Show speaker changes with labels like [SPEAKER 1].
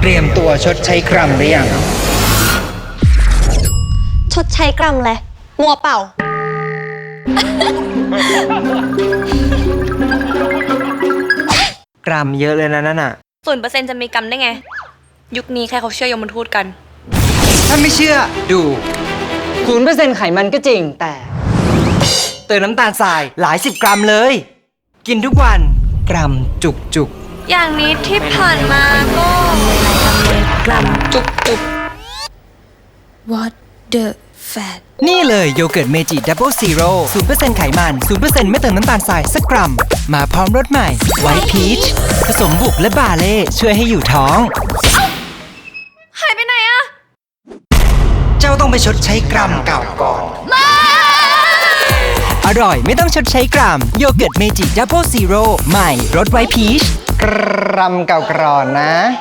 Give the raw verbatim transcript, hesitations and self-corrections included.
[SPEAKER 1] เตรียมตัวชดใช้กรัมหรือยัง
[SPEAKER 2] ชดใช้กรัมเลยมัวเปล่า
[SPEAKER 3] กรัมเยอะเลยนะนั่นน่ะ
[SPEAKER 4] ศูนย์เปอร์เซ็นต์จะมีกรรมได้ไง ยุคนี้ใครเขาเชื่อยมทูตกัน
[SPEAKER 3] ถ้าไม่เชื่อดู
[SPEAKER 5] ศูนย์เปอร์เซ็นต์ไขมันก็จริงแต่
[SPEAKER 3] เติมน้ำตาลทรายหลายสิบกรัมเลย กินทุกวันกรัมจุกจุก
[SPEAKER 4] อย่างนี้ที่ผ่านมาก็กรัมจุกจุก What the fat
[SPEAKER 3] นี่เลยโยเกิร์ตเมจิดับเบิลซีโร่ศูนย์เปอร์เซ็นต์ไขมันศูนย์เปอร์เซ็นต์ไม่เติมน้ำตาลทรายสักกรัม มาพร้อมรสใหม่ไวท์พีชผสมบุกและบาเล่ช่วยให้อยู่ท้อง
[SPEAKER 4] หายไปไหนอะ
[SPEAKER 3] เจ้าต้องไปชดใช้กรัมเก่าก่อน อร่อยไม่ต้องชดใช้กรัมโยเกิร์ตเมจิดับเบิลซีโร่ใหม่รสไวท์พีช
[SPEAKER 1] กรัมเก่าก่อนนะ